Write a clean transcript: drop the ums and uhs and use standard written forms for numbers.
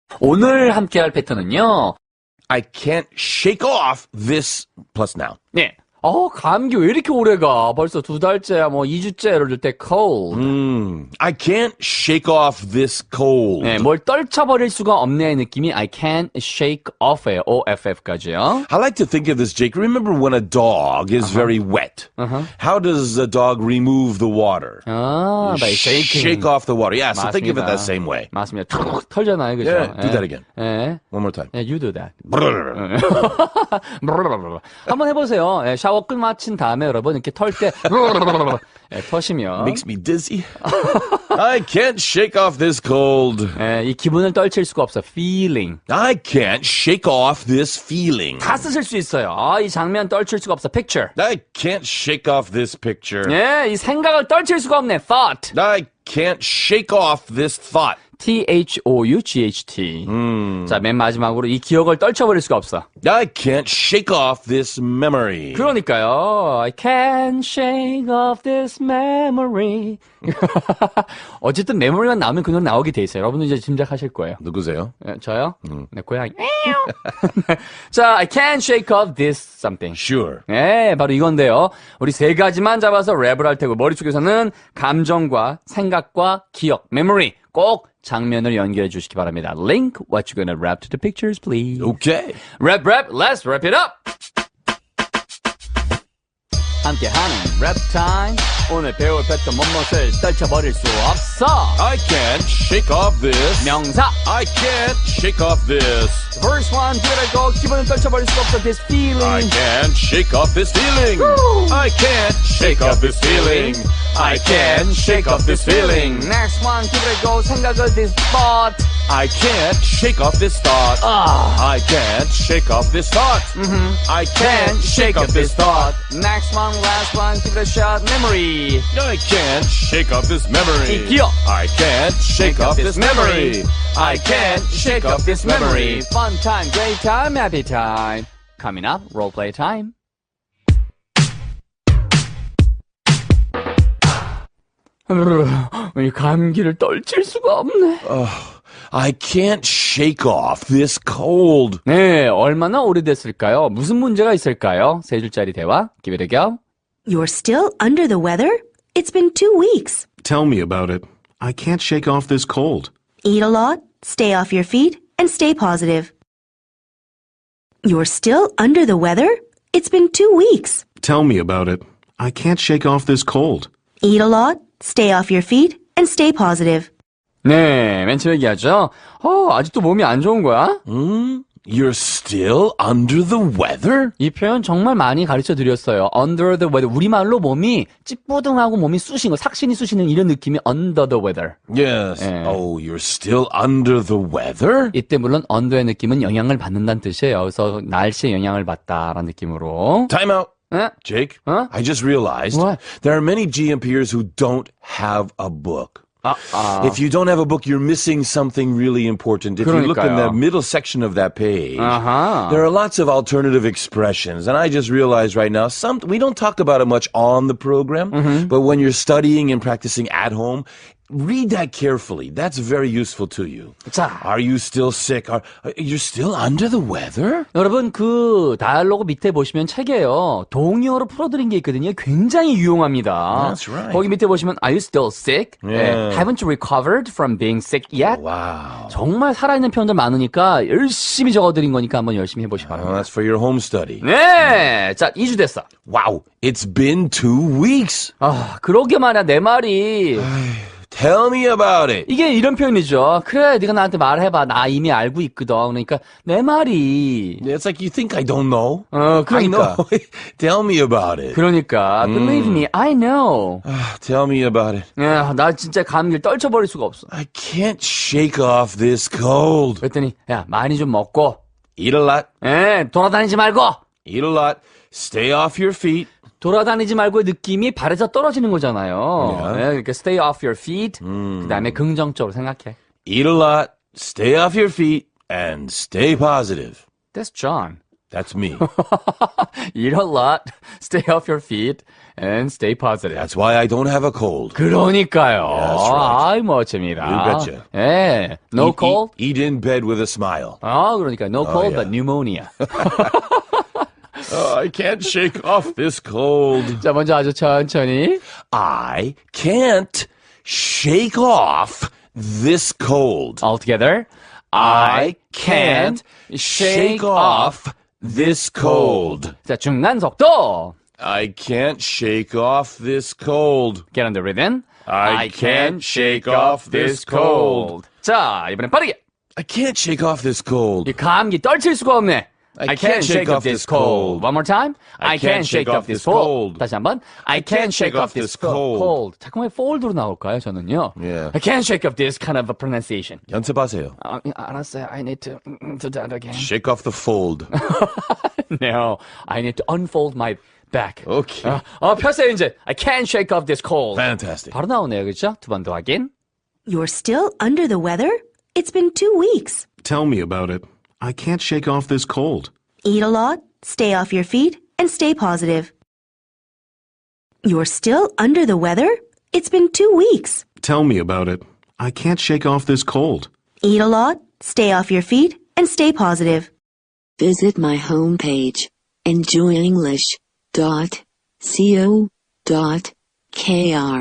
오늘 함께할 패턴은요. I can't shake off this plus noun. 네. 감기 왜 이렇게 오래가? 벌써 2달째야, 2주째, 예를 들 때 cold. I can't shake off this cold. 네, 뭘 떨쳐버릴 수가 없네의 느낌이 I can't shake off예요. OFF까지요. I like to think of this, Jake. Remember when a dog is very wet? How does a dog remove the water? by shaking. Shake off the water. Yeah, so 맞습니다. think of it that same way. 맞습니다. 툭 털잖아요, 그죠? Yeah, do that again. 예. One more time. Yeah, you do that. 한번 해보세요. 예, 샤워 끝마친 다음에 여러분 이렇게 털 때 터시면 Makes me dizzy. I can't shake off this cold. 예, 이 기분을 떨칠 수가 없어. feeling. I can't shake off this feeling. 다 쓰실 수 있어요. 이 장면 떨칠 수가 없어. picture. I can't shake off this picture. 예, 이 생각을 떨칠 수가 없네. thought. I can't shake off this thought. THOUGHT. 자, 맨 마지막으로 이 기억을 떨쳐버릴 수가 없어. I can't shake off this memory. 그러니까요. I can't shake off this memory. 어쨌든 메모리만 나오면 그 노래 나오게 돼 있어요. 여러분은 이제 짐작하실 거예요. 누구세요? 네, 저요? 네, 고양이. 자, I can't shake off this something. Sure. 네, 바로 이건데요. 우리 세 가지만 잡아서 랩을 할 테고 머릿속에서는 감정과 생각과 기억, memory 꼭 장면을 연결해 주시기 바랍니다. Link, what you gonna rap to the pictures, please. Okay. Rap, let's wrap it up! 함께하는 랩 타임. 오늘 배울 패턴 못못을 떨쳐버릴 수 없어. I can't shake off this. 명사. I can't shake off this. First one, 들어고 기분을 떨쳐버릴 수 없어. This feeling. I can't shake off this feeling. I can't shake off this feeling. I can't shake off this feeling. Next one, 들어고 생각을 this thought. I can't shake off this thought. I can't shake off this thought. I can't shake off this thought. Next one, last one, give it a shot. Memory. I can't shake off this memory. 기억. I can't shake off this memory. I can't shake off this memory. Fun time, great time, happy time. Coming up, role play time. 이 감기를 떨칠 수가 없네. I can't shake off this cold. 네, 얼마나 오래됐을까요? 무슨 문제가 있을까요? 세 줄짜리 대화, give it a go. You're still under the weather? It's been 2 weeks. Tell me about it. I can't shake off this cold. Eat a lot, stay off your feet, and stay positive. You're still under the weather? It's been 2 weeks. Tell me about it. I can't shake off this cold. Eat a lot, stay off your feet, and stay positive. 네, 맨 처음 얘기하죠. 아직도 몸이 안 좋은 거야? You're still under the weather? 이 표현 정말 많이 가르쳐 드렸어요. Under the weather. 우리말로 몸이 찌뿌둥하고 몸이 쑤신 거, 삭신이 쑤시는 이런 느낌이 under the weather. Yes. Oh, you're still under the weather? 이때 물론 under의 느낌은 영향을 받는다는 뜻이에요. 그래서 날씨에 영향을 받다라는 느낌으로. Time out. 에? Jake, Huh? I just realized What? there are many GMPers who don't have a book. If you don't have a book, you're missing something really important. If you look in the 그러니까요. middle section of that page, 아하. there are lots of alternative expressions. And I just realized right now, we don't talk about it much on the program, but when you're studying and practicing at home, read that carefully. That's very useful to you. 자. Are you still sick? You're still under the weather? 여러분 그 다이얼로그 밑에 보시면 책에요. 동의어로 풀어드린 게 있거든요. 굉장히 유용합니다. That's right. 거기 밑에 보시면 Are you still sick? Yeah. Haven't you recovered from being sick yet? Wow. 정말 살아있는 표현들 많으니까 열심히 적어드린 거니까 한번 열심히 해보시기 Well, 바랍니다. that's for your home study. 네, 자 2주 됐어. Wow, it's been 2 weeks. 그러게 말이야 내 말이. Tell me about it. 이게 이런 표현이죠. 그래, 네가 나한테 말해봐. 나 이미 알고 있거든. 그러니까 내 말이. It's like you think I don't know. 그러니까. I know. Tell me about it. 그러니까 believe me, I know. Tell me about it. 야, 나 진짜 감기를 떨쳐버릴 수가 없어. I can't shake off this cold. 그랬더니 야, 많이 좀 먹고 Eat a lot. 돌아다니지 말고 Eat a lot. Stay off your feet. 돌아다니지 말고의 느낌이 발에서 떨어지는 거잖아요. Yeah. 네, 그러니까 stay off your feet. 그다음에 긍정적으로 생각해. Eat a lot. Stay off your feet. And stay positive. That's John. That's me. Eat a lot, stay off your feet, and stay positive. That's why I don't have a cold. 그러니까요. That's right. 아이, 멋집니다. You betcha. 예. No cold? Eat in bed with a smile. 아, 그러니까 no cold, yeah. but pneumonia. Oh, I can't shake off this cold. 자, 먼저 아주 천천히. I can't shake off this cold. All together. I can't shake off this cold. 자, 중간 속도. I can't shake off this cold. Get on the rhythm. I can't shake off this cold. 자, 이번엔 빠르게. I can't shake off this cold. 이 감기 떨칠 수가 없네. I can't shake off this cold. One more time. I can't shake off this cold. 다시 한번. I can't shake off this cold. 자꾸 왜 fold로 나올까요, 저는요? Yeah. I can't shake off this kind of a pronunciation. 연습하세요. 알았어요. I need to do that again. Shake off the fold. No, I need to unfold my back. Okay. 폈어요, 이제. I can't shake off this cold. Fantastic. 바로 나오네요, 그렇죠? 두 번 더 확인. You're still under the weather? It's been 2 weeks. Tell me about it. I can't shake off this cold. Eat a lot, stay off your feet, and stay positive. You're still under the weather? It's been 2 weeks. Tell me about it. I can't shake off this cold. Eat a lot, stay off your feet, and stay positive. Visit my homepage, enjoyenglish.co.kr.